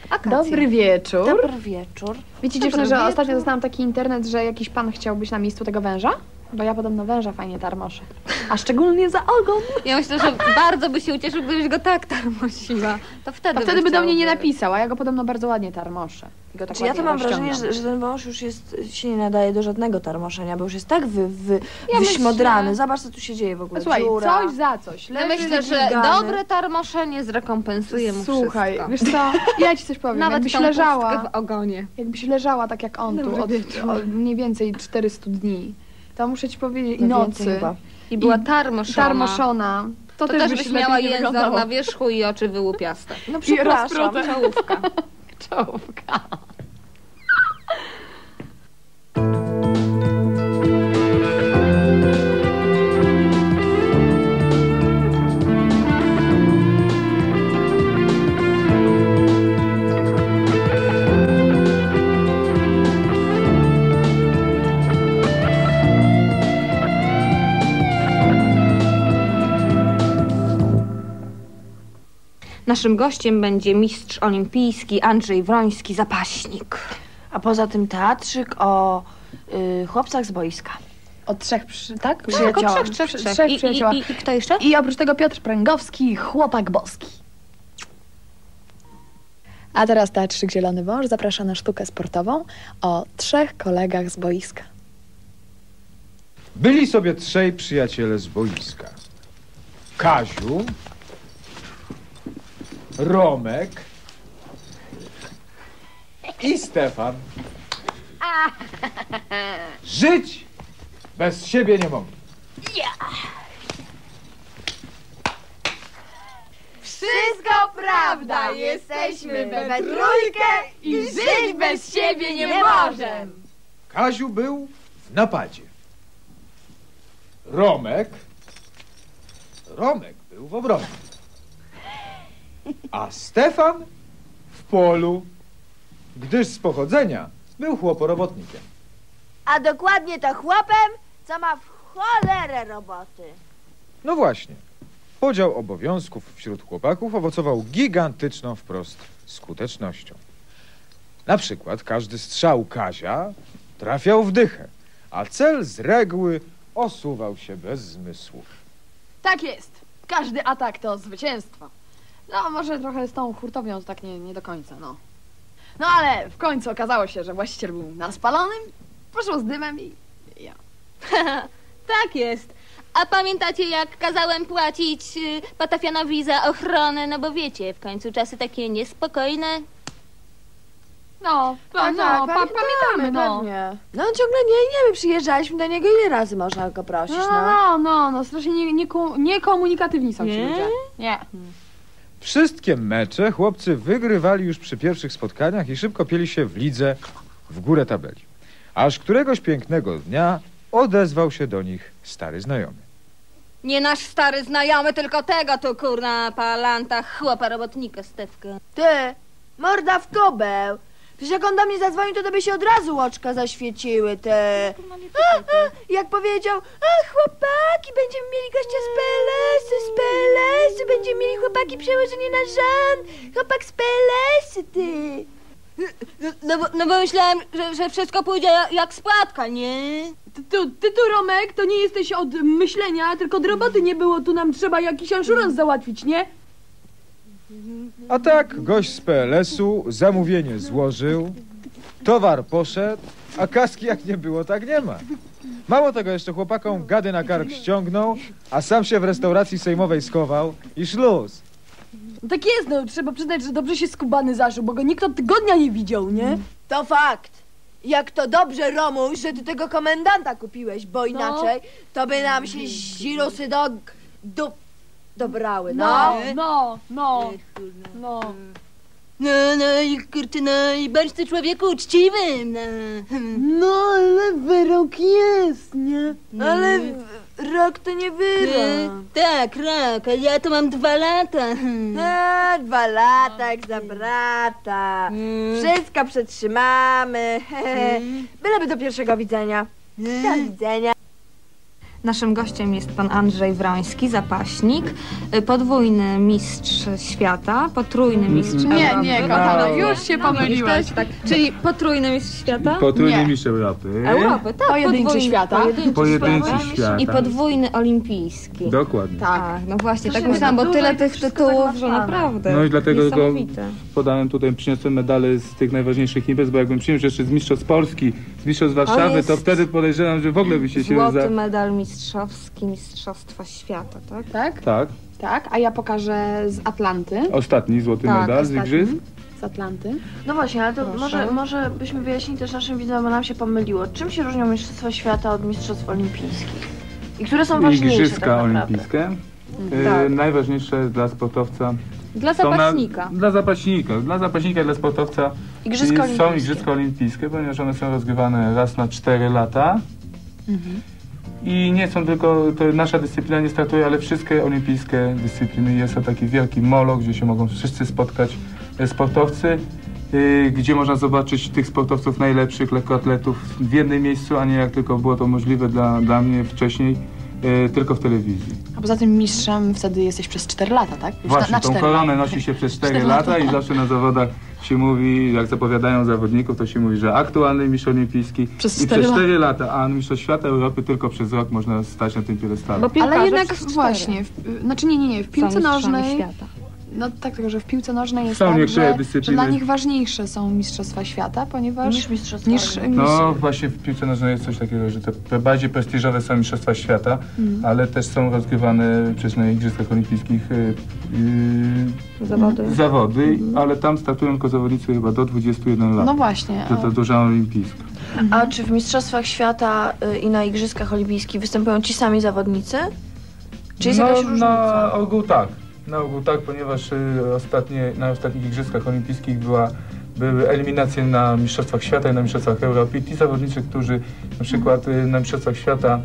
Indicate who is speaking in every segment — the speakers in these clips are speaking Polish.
Speaker 1: Akacja.
Speaker 2: Dobry wieczór.
Speaker 1: Dobry wieczór.
Speaker 2: Wiecie, dziewczyny, że ostatnio dostałam taki internet, że jakiś pan chciał być na miejscu tego węża? Bo ja podobno węża fajnie tarmoszę. A szczególnie za ogon.
Speaker 3: Ja myślę, że bardzo by się ucieszył, gdybyś go tak tarmosiła. To wtedy
Speaker 2: by do mnie nie napisał, a ja go podobno bardzo ładnie tarmoszę. Tak
Speaker 1: ja to mam wrażenie, że ten wąż już się nie nadaje do żadnego tarmoszenia, bo już jest tak wyśmodrany.
Speaker 2: Myślę...
Speaker 1: Zobacz, co tu się dzieje w ogóle.
Speaker 2: Słuchaj,
Speaker 1: dziura.
Speaker 2: coś za coś.
Speaker 3: Ja myślę, że dobre tarmoszenie zrekompensuje mu
Speaker 2: Słuchaj,
Speaker 3: wszystko.
Speaker 2: wiesz co, ja ci coś powiem.
Speaker 3: Nawet
Speaker 2: jakbyś leżała
Speaker 3: w ogonie.
Speaker 2: Jakbyś leżała tak jak on tu od mniej więcej 400 dni, to muszę ci powiedzieć, i nocy.
Speaker 1: Chyba.
Speaker 3: I była tarmoszona.
Speaker 2: To
Speaker 3: też byś miała język
Speaker 2: wyglądało.
Speaker 3: na wierzchu i oczy wyłupiaste.
Speaker 1: No przepraszam.
Speaker 3: Czołówka.
Speaker 2: Czołówka.
Speaker 3: Naszym gościem będzie mistrz olimpijski Andrzej Wroński, zapaśnik.
Speaker 1: A poza tym teatrzyk o chłopcach z boiska.
Speaker 2: O trzech, tak?
Speaker 1: Przyjaciołach.
Speaker 3: Trzech
Speaker 2: przyjaciołach.
Speaker 3: I kto jeszcze?
Speaker 2: I oprócz tego Piotr Pręgowski, chłopak boski. A teraz Teatrzyk Zielony Wąż zaprasza na sztukę sportową o trzech kolegach z boiska.
Speaker 4: Byli sobie trzej przyjaciele z boiska. Kaziu, Romek i Stefan. Żyć bez siebie nie mogli.
Speaker 5: Wszystko prawda, jesteśmy we trójkę i żyć bez siebie nie możemy.
Speaker 4: Kaziu był w napadzie. Romek był w obronie. A Stefan w polu, gdyż z pochodzenia był chłoporobotnikiem.
Speaker 5: A dokładnie to chłopem, co ma w cholerę roboty.
Speaker 4: No właśnie, podział obowiązków wśród chłopaków owocował gigantyczną wprost skutecznością. Na przykład każdy strzał Kazia trafiał w dychę, a cel z reguły osuwał się bez zmysłów.
Speaker 2: Tak jest. Każdy atak to zwycięstwo. No, może trochę z tą hurtownią to tak nie do końca, no. No, ale w końcu okazało się, że właściciel był na spalonym, poszło z dymem i ja.
Speaker 3: Tak jest. A pamiętacie, jak kazałem płacić Patafianowi za ochronę? No bo wiecie, w końcu czasy takie niespokojne.
Speaker 2: No, pamiętamy, no.
Speaker 1: Pewnie. No on ciągle nie, my przyjeżdżaliśmy do niego, ile razy można go prosić,
Speaker 2: No, strasznie niekomunikatywni są ci ludzie. Nie.
Speaker 4: Wszystkie mecze chłopcy wygrywali już przy pierwszych spotkaniach i szybko pieli się w lidze w górę tabeli. Aż któregoś pięknego dnia odezwał się do nich stary znajomy.
Speaker 3: Nie nasz stary znajomy, tylko tego tu kurna palanta chłopa robotnika Stefka.
Speaker 5: Ty, morda w kobeł. Przecież jak on do mnie zadzwonił, to by się od razu oczka zaświeciły, te. Jak powiedział, chłopaki, będziemy mieli gościa z PLS-u, będziemy mieli chłopaki przełożenie na rząd, chłopak z PLS-u, ty.
Speaker 3: No bo myślałem, że wszystko pójdzie jak spłatka, nie?
Speaker 2: Ty tu, Romek, to nie jesteś od myślenia, tylko od roboty nie było. Tu nam trzeba jakiś anszurans załatwić, nie?
Speaker 4: A tak gość z PLS-u zamówienie złożył, towar poszedł, a kaski jak nie było, tak nie ma. Mało tego, jeszcze chłopakom gady na kark ściągnął, a sam się w restauracji sejmowej schował i szluz.
Speaker 2: No tak jest, no trzeba przyznać, że dobrze się skubany zaszył, bo go nikt od tygodnia nie widział, nie?
Speaker 5: To fakt. Jak to dobrze, Romuś, że ty tego komendanta kupiłeś, bo inaczej to by nam się zirusy dobrały, no.
Speaker 3: No i kurczę, no i bądź ty człowieku uczciwym, no.
Speaker 2: No, ale wyrok jest, nie?
Speaker 5: Ale rok to nie wyrok.
Speaker 3: Tak, rok, a ja to mam 2 lata.
Speaker 5: 2 lata jak za brata. Wszystko przetrzymamy. Byleby do pierwszego widzenia. Do widzenia.
Speaker 3: Naszym gościem jest pan Andrzej Wroński, zapaśnik, podwójny mistrz świata, potrójny mistrz Europy.
Speaker 2: Nie, kochana, już się pomyliłaś.
Speaker 3: Tak, czyli potrójny mistrz świata?
Speaker 6: Potrójny
Speaker 2: Nie.
Speaker 6: mistrz Europy.
Speaker 3: Europy, tak.
Speaker 2: Pojedynczy świata.
Speaker 6: Pojedynczy świata.
Speaker 3: I podwójny olimpijski.
Speaker 6: Dokładnie.
Speaker 3: Tak, no właśnie, tak
Speaker 5: się
Speaker 3: myślałam, bo
Speaker 5: dużo
Speaker 3: tyle
Speaker 5: i
Speaker 3: tych
Speaker 5: wszystko
Speaker 3: tytułów, że
Speaker 5: zagmatwane.
Speaker 3: naprawdę
Speaker 6: No i dlatego go
Speaker 3: niesamowite.
Speaker 6: podałem tutaj, przyniosłem medale z tych najważniejszych imprez, bo jakbym przyniósł jeszcze z Mistrzostw Polski, z Mistrzostw Warszawy,
Speaker 3: jest
Speaker 6: to wtedy podejrzewam, że w ogóle byście się
Speaker 3: Złoty medal mistrzowski, Mistrzostwa Świata, tak?
Speaker 2: Tak?
Speaker 6: Tak,
Speaker 2: Tak, a ja pokażę z Atlanty.
Speaker 6: ostatni złoty
Speaker 3: Tak,
Speaker 6: medal z
Speaker 2: ostatni.
Speaker 6: igrzysk.
Speaker 2: Z Atlanty.
Speaker 5: No właśnie, ale to
Speaker 3: Proszę.
Speaker 5: może byśmy wyjaśnili też naszym widzom, bo nam się pomyliło. Czym się różnią Mistrzostwa Świata od Mistrzostw Olimpijskich? I które są ważniejsze
Speaker 6: Igrzyska
Speaker 5: tak naprawdę?
Speaker 6: olimpijskie.
Speaker 3: Tak.
Speaker 6: Najważniejsze dla sportowca.
Speaker 3: Dla
Speaker 6: są
Speaker 3: zapaśnika.
Speaker 6: Dla zapaśnika, dla sportowca
Speaker 5: Igrzyska
Speaker 6: są
Speaker 5: olimpijskie.
Speaker 6: Igrzyska Olimpijskie, ponieważ one są rozgrywane raz na 4 lata. I nie są tylko, to nasza dyscyplina nie startuje, ale wszystkie olimpijskie dyscypliny. Jest to taki wielki molo, gdzie się mogą wszyscy spotkać sportowcy, gdzie można zobaczyć tych sportowców najlepszych, lekkoatletów w jednym miejscu, a nie jak tylko było to możliwe dla mnie wcześniej, tylko w telewizji.
Speaker 2: A poza tym mistrzem wtedy jesteś przez 4 lata, tak? Już
Speaker 6: Właśnie,
Speaker 2: na
Speaker 6: tą
Speaker 2: 4
Speaker 6: koronę nosi się przez 4 lata i zawsze na zawodach się mówi, jak zapowiadają zawodników, to się mówi, że aktualny mistrz olimpijski
Speaker 2: Przez
Speaker 6: i
Speaker 2: 4
Speaker 6: przez
Speaker 2: lata.
Speaker 6: 4 lata, a mistrz świata Europy tylko przez rok można stać na tym piedestale.
Speaker 3: Bo piłkarze
Speaker 2: Ale jednak
Speaker 3: przez 4
Speaker 2: właśnie, znaczy nie, w piłce
Speaker 3: są mistrzami
Speaker 2: nożnej.
Speaker 3: świata.
Speaker 2: No tak, tylko że w piłce nożnej jest
Speaker 6: Są
Speaker 2: tak,
Speaker 6: niektóre
Speaker 2: że
Speaker 6: dyscypliny.
Speaker 2: dla nich ważniejsze są mistrzostwa świata, ponieważ
Speaker 5: Niż Mistrzostwa
Speaker 2: niż
Speaker 6: No właśnie w piłce nożnej jest coś takiego, że te bardziej prestiżowe są mistrzostwa świata, ale też są rozgrywane przecież na Igrzyskach Olimpijskich
Speaker 3: Zawody.
Speaker 6: ale tam startują tylko zawodnicy chyba do 21 lat.
Speaker 2: No właśnie.
Speaker 6: To duża olimpijska.
Speaker 5: A czy w Mistrzostwach Świata i na Igrzyskach Olimpijskich występują ci sami zawodnicy? Czy jest jakaś różnica?
Speaker 6: Na ogół tak. Na ogół tak, ponieważ na ostatnich Igrzyskach Olimpijskich były eliminacje na Mistrzostwach Świata i na Mistrzostwach Europy. I ci zawodnicy, którzy na przykład na Mistrzostwach Świata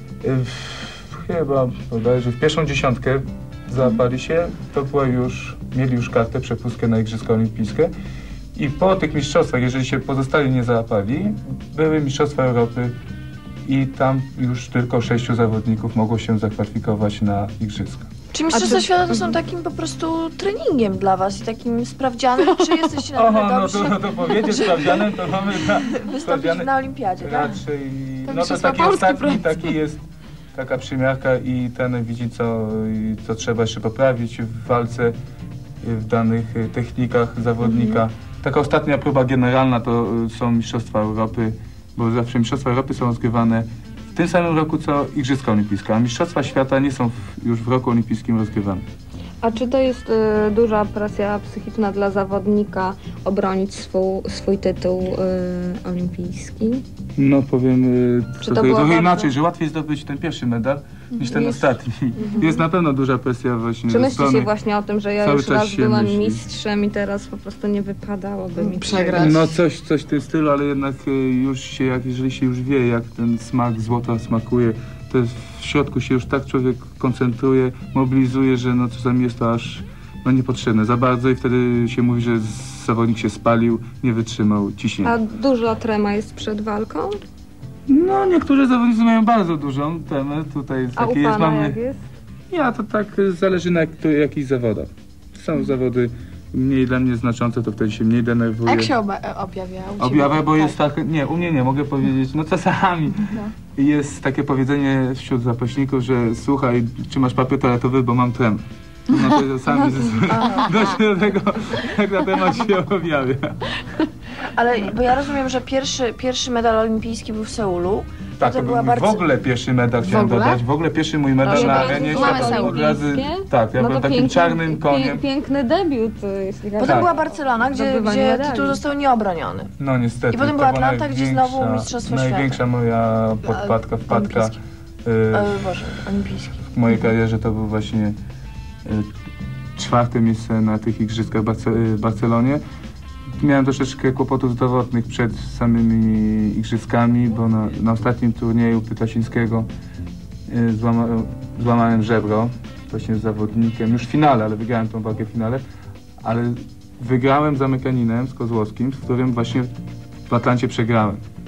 Speaker 6: chyba bodajże w pierwszą dziesiątkę załapali się, to mieli już kartę, przepustkę na Igrzyska Olimpijskie. I po tych mistrzostwach, jeżeli się pozostali nie załapali, były Mistrzostwa Europy i tam już tylko 6 zawodników mogło się zakwalifikować na Igrzyska.
Speaker 5: Czy Mistrzostwa Świata to są takim po prostu treningiem dla was i takim sprawdzianem, czy jesteście na tyle
Speaker 6: no
Speaker 5: dobrzy,
Speaker 6: to powiedzieć sprawdzianem, to mamy
Speaker 5: wystąpić na Olimpiadzie, tak?
Speaker 6: raczej,
Speaker 2: To
Speaker 6: no to
Speaker 2: mistrzostwa
Speaker 6: taki
Speaker 2: Polski
Speaker 6: ostatni,
Speaker 2: prawie.
Speaker 6: taki jest taka przymiarka i ten widzi co trzeba jeszcze poprawić w walce, w danych technikach zawodnika. Taka ostatnia próba generalna to są Mistrzostwa Europy, bo zawsze Mistrzostwa Europy są rozgrywane w tym samym roku co Igrzyska Olimpijskie, a Mistrzostwa Świata nie są już w roku olimpijskim rozgrywane.
Speaker 3: A czy to jest duża presja psychiczna dla zawodnika obronić swój tytuł olimpijski?
Speaker 6: No powiem
Speaker 3: Czy to było
Speaker 6: trochę
Speaker 3: bardzo-
Speaker 6: inaczej, że łatwiej zdobyć ten pierwszy medal niż ten ostatni. Jest na pewno duża presja właśnie
Speaker 3: Czy
Speaker 6: ze
Speaker 3: myśli się
Speaker 6: strony...
Speaker 3: właśnie o tym, że ja
Speaker 6: cały
Speaker 3: już
Speaker 6: czas
Speaker 3: raz
Speaker 6: się
Speaker 3: byłam
Speaker 6: myśli.
Speaker 3: mistrzem i teraz po prostu nie wypadałoby mi
Speaker 2: Przegrać.
Speaker 6: No coś w tym stylu, ale jednak już się, jeżeli się już wie, jak ten smak złota smakuje, to w środku się już tak człowiek koncentruje, mobilizuje, że no czasami jest to aż niepotrzebne za bardzo i wtedy się mówi, że zawodnik się spalił, nie wytrzymał ciśnienia.
Speaker 3: A duża trema jest przed walką?
Speaker 6: No niektórzy zawodnicy mają bardzo dużą temę, tutaj
Speaker 3: A u
Speaker 6: takie jest,
Speaker 3: pana jak jest?
Speaker 6: Ja to tak zależy na jakich zawodach. Są zawody mniej dla mnie znaczące, to wtedy się mniej
Speaker 2: A
Speaker 6: denerwuję.
Speaker 2: jak się objawia? U ciebie?
Speaker 6: Objawia, bo jest tak, nie, u mnie nie, mogę powiedzieć, no czasami jest takie powiedzenie wśród zapaśników, że słuchaj, czy masz papier toaletowy, bo mam tremę. No to czasami dość do tego, jak na temat się objawia.
Speaker 5: Ale bo ja rozumiem, że pierwszy medal olimpijski był w Seulu.
Speaker 6: Tak, to
Speaker 5: była
Speaker 6: był
Speaker 5: bardzo...
Speaker 6: w ogóle pierwszy medal, chciałem
Speaker 2: ogóle?
Speaker 6: dodać, w ogóle pierwszy mój medal
Speaker 3: No,
Speaker 6: na
Speaker 3: od
Speaker 6: arenie
Speaker 3: razu mamy
Speaker 6: świata. Od razu,
Speaker 3: olimpijskie?
Speaker 6: tak, ja
Speaker 3: No
Speaker 6: byłem
Speaker 3: to
Speaker 6: takim czarnym koniem.
Speaker 3: Piękny debiut, jeśli
Speaker 5: Potem
Speaker 6: Tak.
Speaker 5: była Barcelona, gdzie
Speaker 3: Zdobywanie medali.
Speaker 5: tytuł został nieobroniony.
Speaker 6: No niestety.
Speaker 5: I potem
Speaker 6: to
Speaker 5: była
Speaker 6: była
Speaker 5: Atlanta, gdzie znowu Mistrzostwo Świata.
Speaker 6: Największa moja podpadka, wpadka
Speaker 2: Olimpijski.
Speaker 5: Boże, olimpijski.
Speaker 6: w mojej karierze to był właśnie 4. miejsce na tych igrzyskach w Barcelonie. Miałem troszeczkę kłopotów zdrowotnych przed samymi igrzyskami, bo na ostatnim turnieju Pytasińskiego złamałem żebro właśnie z zawodnikiem, już w finale, ale wygrałem tą walkę w finale, ale wygrałem z Amerykaninem, z Kozłowskim, z którym właśnie w Atlancie przegrałem.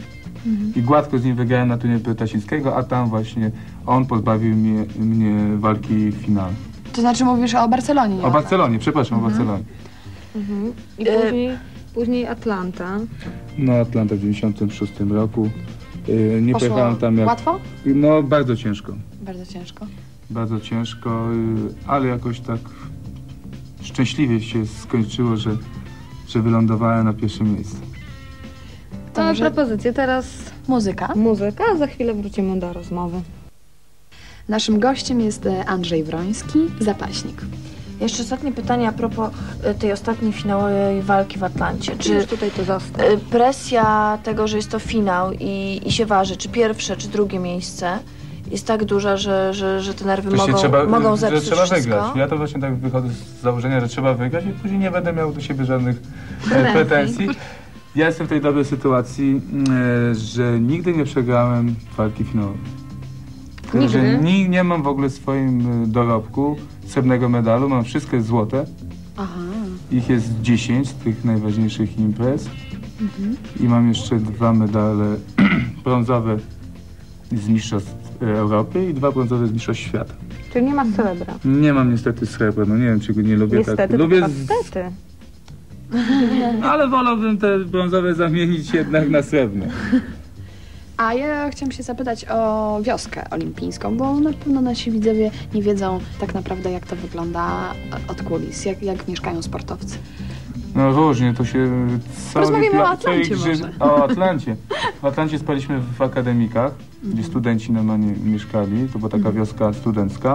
Speaker 6: i gładko z nim wygrałem na turnieju Pytasińskiego, a tam właśnie on pozbawił mnie walki w finale.
Speaker 2: To znaczy mówisz o Barcelonie, nie?
Speaker 6: O Barcelonie, przepraszam, o Barcelonie.
Speaker 3: I później Atlanta.
Speaker 6: No Atlanta w 96 roku. Nie
Speaker 2: Poszło
Speaker 6: pojechałem tam jak...
Speaker 2: łatwo?
Speaker 6: No bardzo ciężko.
Speaker 2: Bardzo ciężko.
Speaker 6: Bardzo ciężko, ale jakoś tak szczęśliwie się skończyło, że wylądowałem na pierwszym miejscu.
Speaker 2: To
Speaker 3: Mamy
Speaker 2: może
Speaker 3: propozycję, teraz
Speaker 2: muzyka.
Speaker 3: muzyka, a za chwilę wrócimy do rozmowy.
Speaker 2: Naszym gościem jest Andrzej Wroński, zapaśnik.
Speaker 1: Jeszcze ostatnie pytanie a propos tej ostatniej finałowej walki w Atlancie. Czy
Speaker 3: Już tutaj to został.
Speaker 1: presja tego, że jest to finał i się waży, czy pierwsze, czy drugie miejsce jest tak duża, że te nerwy mogą zepsuć
Speaker 6: że trzeba
Speaker 1: wszystko?
Speaker 6: wygrać. Ja to właśnie tak wychodzę z założenia, że trzeba wygrać i później nie będę miał do siebie żadnych pretensji. Ja jestem w tej dobrej sytuacji, że nigdy nie przegrałem walki finałowej. Że nie mam w ogóle w swoim dorobku srebrnego medalu, mam wszystkie złote.
Speaker 2: Aha.
Speaker 6: Ich jest 10 z tych najważniejszych imprez. I mam jeszcze 2 medale brązowe z Mistrzostw Europy i 2 brązowe z Mistrzostw Świata.
Speaker 3: Czyli nie ma srebra.
Speaker 6: Nie mam niestety srebra, no nie wiem, czy go nie lubię
Speaker 3: Niestety,
Speaker 6: tak. Lubię,
Speaker 3: niestety.
Speaker 6: ale wolałbym te brązowe zamienić jednak na srebrne.
Speaker 2: A ja chciałam się zapytać o wioskę olimpijską, bo na pewno nasi widzowie nie wiedzą tak naprawdę, jak to wygląda od kulis, jak mieszkają sportowcy.
Speaker 6: No różnie, to się...
Speaker 2: Porozmawiamy o Atlancie może.
Speaker 6: O Atlancie. W Atlancie spaliśmy w akademikach, gdzie studenci normalnie mieszkali. To była taka wioska studencka.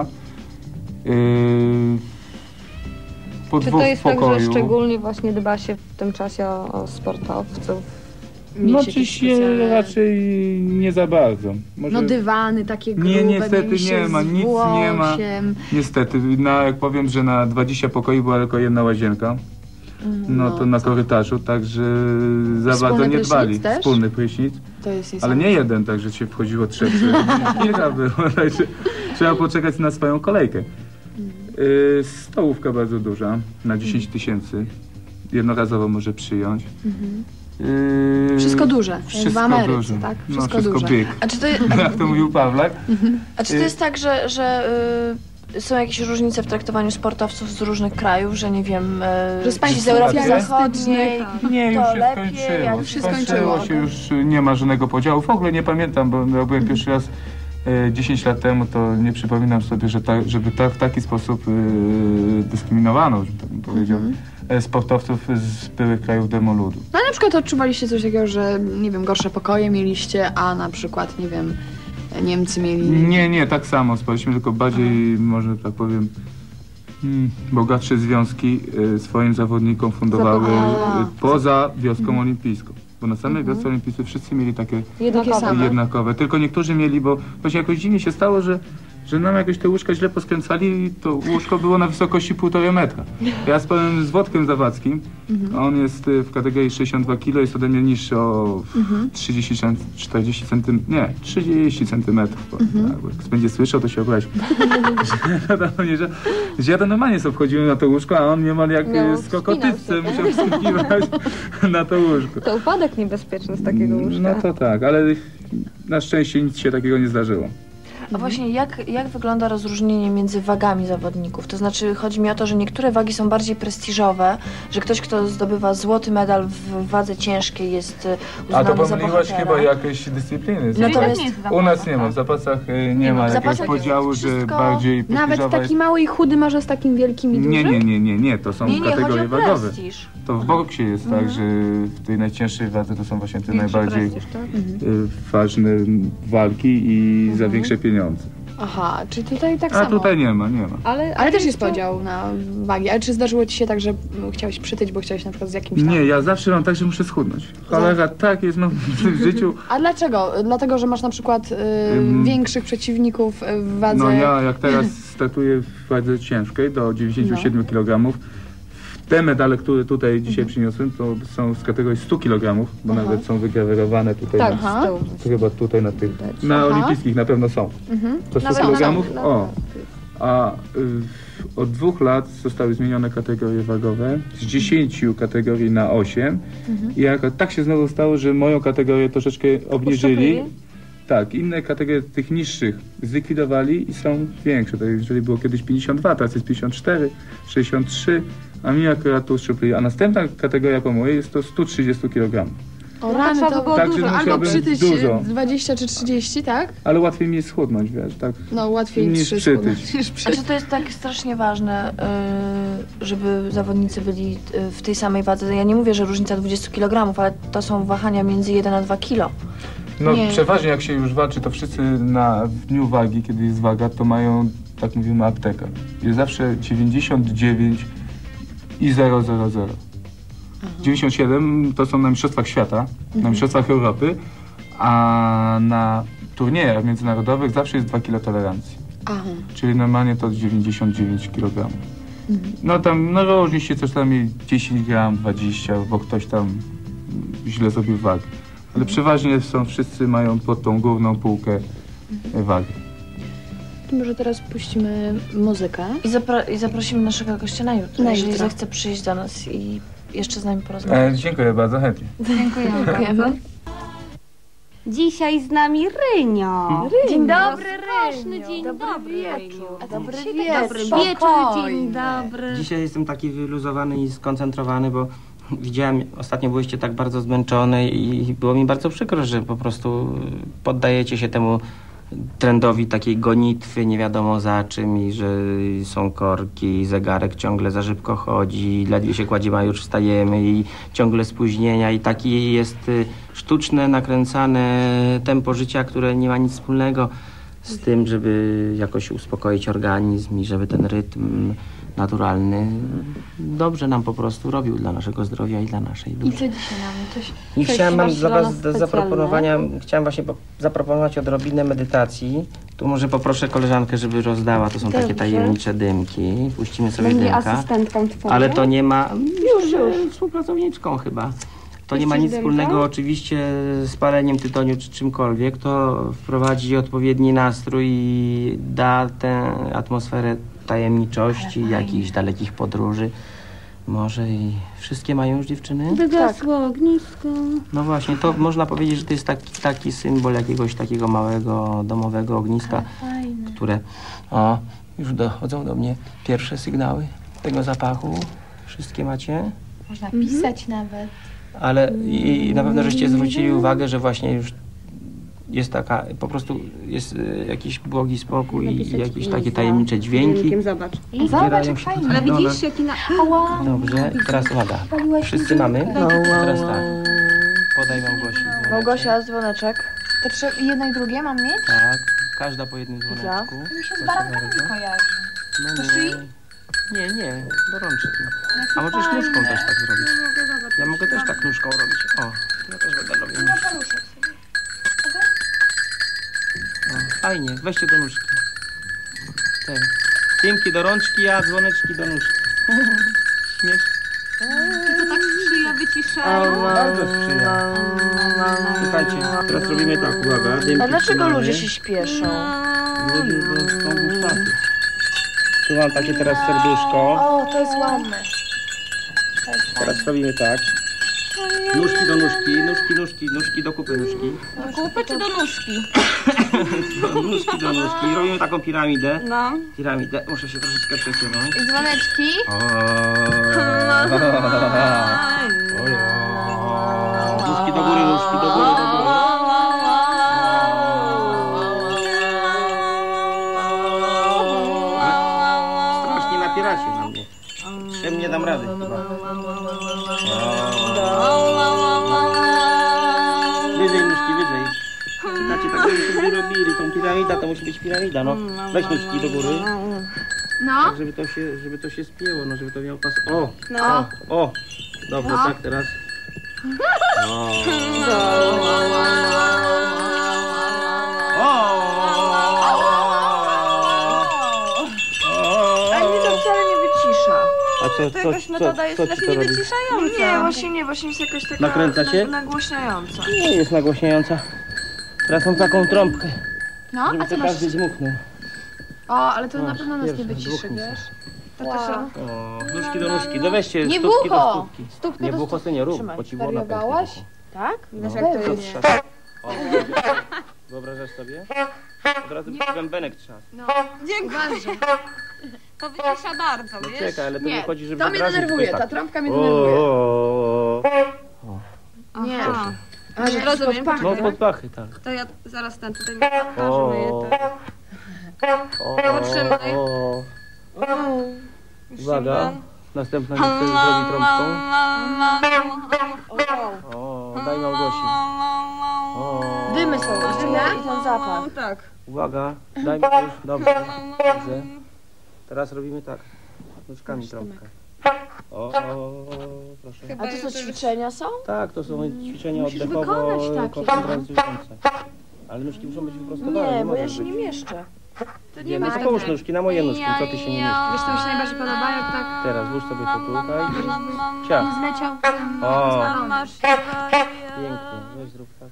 Speaker 6: Po
Speaker 3: Czy
Speaker 6: dwóch
Speaker 3: to jest
Speaker 6: w pokoju.
Speaker 3: tak, że szczególnie właśnie dba się w tym czasie o sportowców?
Speaker 6: No oczywiście raczej nie za bardzo. Może...
Speaker 2: No dywany takie grube,
Speaker 6: Nie, niestety
Speaker 2: mieliście
Speaker 6: nie ma,
Speaker 2: z
Speaker 6: nic nie ma.
Speaker 2: Włosiem.
Speaker 6: Niestety, jak powiem, że na 20 pokoi była tylko jedna łazienka. No to na korytarzu, także za
Speaker 2: Wspólny
Speaker 6: bardzo nie
Speaker 2: prysznic
Speaker 6: dbali.
Speaker 2: też?
Speaker 6: Wspólny prysznic.
Speaker 2: To jest
Speaker 6: Ale nie jeden, także się wchodziło 3. Kilka było, także trzeba poczekać na swoją kolejkę. Stołówka bardzo duża, na 10 000. Jednorazowo może przyjąć.
Speaker 2: Wszystko duże,
Speaker 6: Wszystko
Speaker 2: jak w Ameryce,
Speaker 6: duże.
Speaker 2: tak?
Speaker 6: No,
Speaker 2: Wszystko
Speaker 6: wszystko
Speaker 2: duże.
Speaker 6: big.
Speaker 1: A czy to,
Speaker 6: Jak to mówił Pawlak.
Speaker 1: a czy to jest tak, że są jakieś różnice w traktowaniu sportowców z różnych krajów, że nie wiem,
Speaker 2: Że z państw
Speaker 1: ci z Europy
Speaker 2: socjalistycznych,
Speaker 1: Zachodniej,
Speaker 6: Nie, już
Speaker 1: to
Speaker 6: się
Speaker 1: lepiej,
Speaker 6: skończyło.
Speaker 1: jak
Speaker 2: się
Speaker 6: Skończyło się, już nie ma żadnego podziału. W ogóle nie pamiętam, bo ja byłem pierwszy raz 10 lat temu, to nie przypominam sobie, żeby w taki sposób dyskryminowano, że tak bym powiedział, sportowców z byłych krajów demoludu.
Speaker 2: No na przykład odczuwaliście coś takiego, że nie wiem, gorsze pokoje mieliście, a na przykład, nie wiem, Niemcy mieli...
Speaker 6: Nie, tak samo. Spaliśmy tylko bardziej, może tak powiem, bogatsze związki swoim zawodnikom fundowały poza wioską olimpijską. Bo na samej wiosce olimpijskiej wszyscy mieli takie jednakowe. Tylko niektórzy mieli, bo właśnie jakoś dziwnie się stało, że nam jakoś te łóżka źle poskręcali i to łóżko było na wysokości 1,5 metra. Ja spałem z Włodkiem Zawadzkim, on jest w kategorii 62 kg, jest ode mnie niższy o 30 centymetrów. Tak, bo jak będzie słyszał, to się obrazi. Że ja to normalnie sobie wchodziłem na to łóżko, a on niemal jak skokotycce musiał wskakiwać na to łóżko.
Speaker 3: To upadek niebezpieczny z takiego łóżka.
Speaker 6: No to tak, ale na szczęście nic się takiego nie zdarzyło.
Speaker 1: A właśnie jak wygląda rozróżnienie między wagami zawodników? To znaczy chodzi mi o to, że niektóre wagi są bardziej prestiżowe, że ktoś, kto zdobywa złoty medal w wadze ciężkiej jest uznany
Speaker 6: A to
Speaker 1: za
Speaker 6: pomyliłaś
Speaker 1: bohatera.
Speaker 6: chyba jakieś dyscypliny.
Speaker 1: Natomiast
Speaker 6: U nas nie ma, w zapasach nie ma
Speaker 1: w
Speaker 6: jakiegoś
Speaker 1: zapasach
Speaker 6: podziału,
Speaker 1: jest
Speaker 6: że
Speaker 1: wszystko-
Speaker 6: bardziej
Speaker 2: Nawet
Speaker 6: prestiżowa
Speaker 2: taki mały i chudy może z takim wielkim i dużym?
Speaker 6: Nie, to są
Speaker 1: Nie, chodzi
Speaker 6: kategorie
Speaker 1: o
Speaker 6: wagowe.
Speaker 1: prestiż.
Speaker 6: To w boksie jest tak, że w tej najcięższej wadze to są właśnie te najbardziej
Speaker 3: tak?
Speaker 6: ważne walki i za większe pieniądze.
Speaker 2: Aha, czyli tutaj tak
Speaker 6: A
Speaker 2: samo.
Speaker 6: tutaj nie ma.
Speaker 2: Ale też jest podział na wagi. Ale czy zdarzyło ci się tak, że chciałeś przytyć, bo chciałeś na przykład z jakimś tam...
Speaker 6: Nie, ja zawsze mam tak, że muszę schudnąć. Cholera, tak jest w życiu.
Speaker 2: A dlaczego? Dlatego, że masz na przykład większych przeciwników w wadze...
Speaker 6: No ja jak teraz startuję w wadze ciężkiej do 97 kg. Te medale, które tutaj dzisiaj przyniosłem, to są z kategorii 100 kg, bo nawet są wygrawerowane tutaj.
Speaker 3: Tak,
Speaker 6: Chyba tutaj na tych, na olimpijskich na pewno są. To 100
Speaker 1: Nawet
Speaker 6: kg?
Speaker 1: na-
Speaker 6: O. a od 2 lat zostały zmienione kategorie wagowe z 10 kategorii na 8 i tak się znowu stało, że moją kategorię troszeczkę obniżyli. Tak, inne kategorie tych niższych zlikwidowali i są większe. Tak, jeżeli było kiedyś 52, teraz jest 54, 63, a mi akurat tu uszczupli. A następna kategoria po mojej jest to 130 kg.
Speaker 2: O rany, to było
Speaker 6: tak,
Speaker 2: dużo. Albo
Speaker 6: musiałbym
Speaker 2: przytyć
Speaker 6: dużo.
Speaker 2: 20 czy 30, tak?
Speaker 6: Ale łatwiej mi jest schudnąć, wiesz, tak?
Speaker 2: No, łatwiej
Speaker 6: niż przytyć.
Speaker 1: Znaczy to jest tak strasznie ważne, żeby zawodnicy byli w tej samej wadze. Ja nie mówię, że różnica 20 kg, ale to są wahania między 1 a 2 kg.
Speaker 6: No
Speaker 2: Nie.
Speaker 6: przeważnie jak się już walczy, to wszyscy w dniu wagi, kiedy jest waga, to mają, tak mówimy, aptekę. Jest zawsze 99 i 000. 97 to są na mistrzostwach świata, na mistrzostwach Europy, a na turniejach międzynarodowych zawsze jest 2 kg tolerancji.
Speaker 2: Aha.
Speaker 6: Czyli normalnie to 99 kg. No tam, no różni się coś tam 10 gram, 20, bo ktoś tam źle zrobił wagę. Ale przeważnie wszyscy mają pod tą główną półkę wagi.
Speaker 2: To może teraz puścimy muzykę.
Speaker 1: I zaprosimy naszego gościa na jutro,
Speaker 2: Na
Speaker 1: jeżeli
Speaker 2: jutro.
Speaker 1: zechce przyjść do nas i jeszcze z nami porozmawiać.
Speaker 6: Dziękuję bardzo, chętnie.
Speaker 1: Dziękujemy.
Speaker 3: Dzisiaj z nami Rynio.
Speaker 1: Dzień
Speaker 3: dobry, Rynio. Dzień dobry,
Speaker 1: wieczór. Dobry
Speaker 3: Dobry
Speaker 1: wieczór.
Speaker 3: wieczór, dzień dobry.
Speaker 7: Dzisiaj jestem taki wyluzowany i skoncentrowany, bo widziałem, ostatnio byłyście tak bardzo zmęczone i było mi bardzo przykro, że po prostu poddajecie się temu trendowi takiej gonitwy, nie wiadomo za czym i że są korki, zegarek ciągle za szybko chodzi, ledwie się kładziemy, a już wstajemy i ciągle spóźnienia i taki jest sztuczne, nakręcane tempo życia, które nie ma nic wspólnego z tym, żeby jakoś uspokoić organizm i żeby ten rytm naturalny dobrze nam po prostu robił dla naszego zdrowia i dla naszej duszy.
Speaker 2: I co dzisiaj nam? Coś
Speaker 7: I chciałem mam
Speaker 2: masz
Speaker 7: dla
Speaker 2: dla nas
Speaker 7: was do
Speaker 2: specjalne?
Speaker 7: zaproponowania, chciałem właśnie zaproponować odrobinę medytacji. Tu może poproszę koleżankę, żeby rozdała, to są takie tajemnicze dymki. Puścimy sobie
Speaker 3: Będzie
Speaker 7: dymka.
Speaker 3: asystentką twoją?
Speaker 7: Ale to nie ma, już współpracowniczką chyba. To nie ma nic
Speaker 3: dymka?
Speaker 7: wspólnego oczywiście z paleniem tytoniu czy czymkolwiek. To wprowadzi odpowiedni nastrój i da tę atmosferę tajemniczości, jakichś dalekich podróży. Może i wszystkie mają już dziewczyny?
Speaker 3: Wygasło ognisko.
Speaker 7: No właśnie, to można powiedzieć, że to jest taki symbol jakiegoś takiego małego domowego ogniska, które już dochodzą do mnie pierwsze sygnały tego zapachu. Wszystkie macie?
Speaker 3: Można pisać nawet.
Speaker 7: Ale i na pewno żeście zwrócili uwagę, że właśnie już jest taka, po prostu jest jakiś błogi spokój i jakieś takie tajemnicze dźwięki.
Speaker 3: Zobacz.
Speaker 7: Zbierają się tutaj
Speaker 3: Ale
Speaker 7: w dole.
Speaker 3: widzisz, jaki na...
Speaker 7: Dobrze, teraz uwaga. Wszyscy mamy? Teraz tak. Podaj Małgosi.
Speaker 1: Małgosia, dzwoneczek.
Speaker 2: To trzeba jedno i drugie mam mieć?
Speaker 7: Tak, każda po jednym dzwoneczku.
Speaker 2: Mi się z
Speaker 7: Proszę
Speaker 2: barankami
Speaker 7: bardzo.
Speaker 2: kojarzy.
Speaker 7: No
Speaker 2: To szyi?
Speaker 7: nie, do rączki. A możesz nóżką też tak zrobić. Ja mogę też tak nóżką robić. O, ja też będę robił nóżką. O, fajnie, weźcie do nóżki. Te dymki do rączki, a dzwoneczki do nóżki. Śmiesz?
Speaker 3: To tak sprzyja wyciszają.
Speaker 7: Bardzo sprzyja. Słuchajcie, teraz robimy tak, uwaga. Dymki
Speaker 1: A dlaczego
Speaker 7: trzymamy.
Speaker 1: ludzie się śpieszą?
Speaker 7: Ludzie są gustaty. Tu mam takie teraz serduszko.
Speaker 1: O, to jest ładne.
Speaker 7: Teraz robimy tak. Nóżki do nóżki, nóżki do kupy nóżki.
Speaker 3: Do kupy czy do nóżki?
Speaker 7: Nóżki do nóżki. I robimy taką piramidę.
Speaker 3: No.
Speaker 7: Piramidę. Muszę się troszeczkę przesunąć.
Speaker 2: I dzwoneczki.
Speaker 7: Nóżki do góry, nóżki do góry, do góry. Strasznie napieracie na mnie. Czym nie dam rady chyba. Wyżej nóżki, wyżej. Znacie, tak żebyśmy robili tą piramida, to musi być piramida, no. Weź nóżki do góry.
Speaker 2: No.
Speaker 7: Tak, żeby to się spięło, no, żeby to miało pas. O! Dobrze, tak teraz.
Speaker 1: Ale mnie to wcale nie wycisza.
Speaker 7: A co ci to robi?
Speaker 1: Nie, właśnie jest jakaś taka
Speaker 7: Nakręca się?
Speaker 1: nagłośniająca.
Speaker 7: Nie jest nagłośniająca. Teraz mam taką trąbkę,
Speaker 2: No,
Speaker 7: żeby
Speaker 2: a co
Speaker 7: to
Speaker 2: masz?
Speaker 7: każdy dmuchnął.
Speaker 2: O, ale to na pewno nas nie
Speaker 7: Pierwszy,
Speaker 2: wyciszy,
Speaker 7: dwóch
Speaker 2: wiesz?
Speaker 7: misek.
Speaker 2: To też...
Speaker 7: O, nóżki do nóżki. No weźcie
Speaker 2: Nie
Speaker 7: stópki do
Speaker 2: bucho!
Speaker 7: stópki.
Speaker 2: Stópkę
Speaker 7: Nie
Speaker 2: do
Speaker 7: bucho, ty nie rób,
Speaker 1: Trzymaj.
Speaker 7: bo ci błona pęknie
Speaker 2: Wariowałaś?
Speaker 7: bucho.
Speaker 1: Tak?
Speaker 2: Wiesz,
Speaker 7: No,
Speaker 2: jak to
Speaker 7: to
Speaker 2: jest.
Speaker 7: trzeba. O, wyobrażasz sobie? Od razu bębenek trzas.
Speaker 2: No, dziękuję.
Speaker 3: To wycisza bardzo,
Speaker 7: No
Speaker 3: wiesz?
Speaker 7: czekaj, ale to nie
Speaker 2: Nie,
Speaker 7: chodzi, żeby
Speaker 2: to mnie
Speaker 7: obrazić,
Speaker 2: denerwuje,
Speaker 7: tylko
Speaker 2: ta
Speaker 7: tak.
Speaker 2: trąbka mnie denerwuje.
Speaker 1: Nie.
Speaker 3: Aha.
Speaker 2: A, że
Speaker 3: Rozumiem.
Speaker 2: pod pachę,
Speaker 7: No
Speaker 2: tak?
Speaker 7: pod pachy, tak.
Speaker 3: To ja zaraz ten tutaj
Speaker 7: O,
Speaker 3: myję to. Potrzymaj.
Speaker 7: Uwaga, następna nie chcesz zrobić trąbką. O, daj Małgosi. O,
Speaker 1: Dymy są, dymy i ten zapach.
Speaker 3: Tak.
Speaker 7: uwaga, daj mi już, dobrze, dobrze. Teraz robimy tak, nóżkami trąbkę. O, proszę.
Speaker 1: A to co, ćwiczenia są?
Speaker 7: Tak, to są ćwiczenia
Speaker 1: Musisz wykonać takie.
Speaker 7: oddechowo-koncentracyjne. Ale nóżki muszą być wyprostowane.
Speaker 1: Nie, bo ja
Speaker 7: możesz
Speaker 1: się nie
Speaker 7: być.
Speaker 1: mieszczę.
Speaker 7: Nie, no to połóż nóżki na moje nóżki, co ty się nie mieścisz.
Speaker 2: Wiesz, co mi się najbardziej podoba, jak tak
Speaker 7: Teraz włóż sobie to tutaj. Ciach.
Speaker 2: zleciał
Speaker 7: O,
Speaker 3: Masz
Speaker 7: pięknie, weź zrób tak.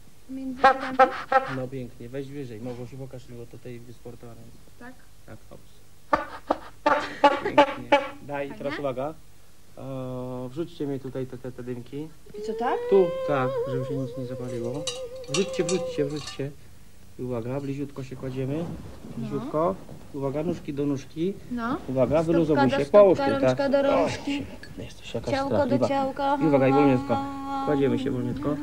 Speaker 7: No pięknie, weź wyżej. Małgosiu, pokaż mi, bo tutaj wysportowane jest.
Speaker 2: Tak?
Speaker 7: Tak, hops. Pięknie. Daj, teraz uwaga. Wrzućcie mi tutaj te dymki.
Speaker 1: I co, tak?
Speaker 7: Tu, tak, żeby się nic nie zapaliło. Wrzućcie. I uwaga, bliziutko się kładziemy. Bliziutko. Uwaga, nóżki do nóżki.
Speaker 2: No.
Speaker 7: Uwaga, wyluzowuj się, połóż ty, tak.
Speaker 3: do rączki,
Speaker 7: Jesteś jakaś
Speaker 3: ciałko do
Speaker 7: strachliwa.
Speaker 3: ciałka.
Speaker 7: I uwaga, i wolniutko. Kładziemy się wolniutko.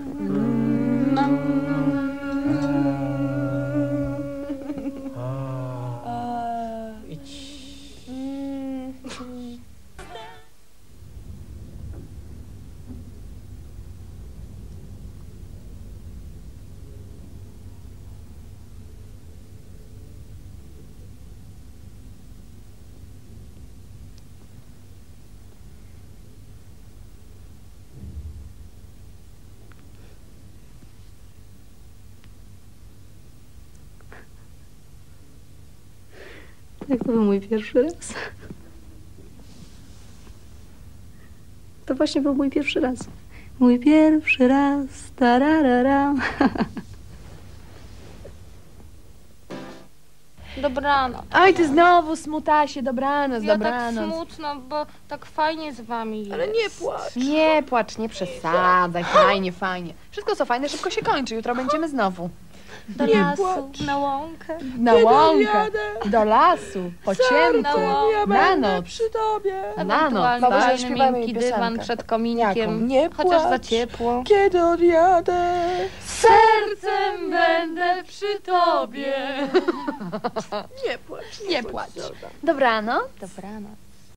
Speaker 7: Idź.
Speaker 8: Jak to był mój pierwszy raz? To właśnie był mój pierwszy raz. Mój pierwszy raz, tararara.
Speaker 3: Dobranoc.
Speaker 2: Oj, ty znowu smutasie, dobranoc,
Speaker 3: Ja tak
Speaker 2: dobranoc.
Speaker 3: smutno, bo tak fajnie z wami jest.
Speaker 1: Ale nie płacz.
Speaker 2: Nie płacz, nie przesadzaj, fajnie, fajnie. Wszystko co fajne szybko się kończy, jutro będziemy znowu.
Speaker 3: Do lasu, na łąkę.
Speaker 2: Na łąkę, do lasu, po ciemku, na noc.
Speaker 1: Przy tobie.
Speaker 2: Na noc.
Speaker 3: Ewentualnie
Speaker 1: Małgosia,
Speaker 3: fajny,
Speaker 1: śpiewajmy
Speaker 3: miękki
Speaker 1: jej
Speaker 3: dywan
Speaker 1: piosenkę.
Speaker 3: przed kominkiem.
Speaker 1: Nie
Speaker 3: Chociaż za
Speaker 1: płacz.
Speaker 3: ciepło.
Speaker 1: Kiedy odjadę?
Speaker 3: Sercem będę przy tobie.
Speaker 1: Nie płacz.
Speaker 2: Nie płacz. Dobranoc.
Speaker 3: Dobranoc.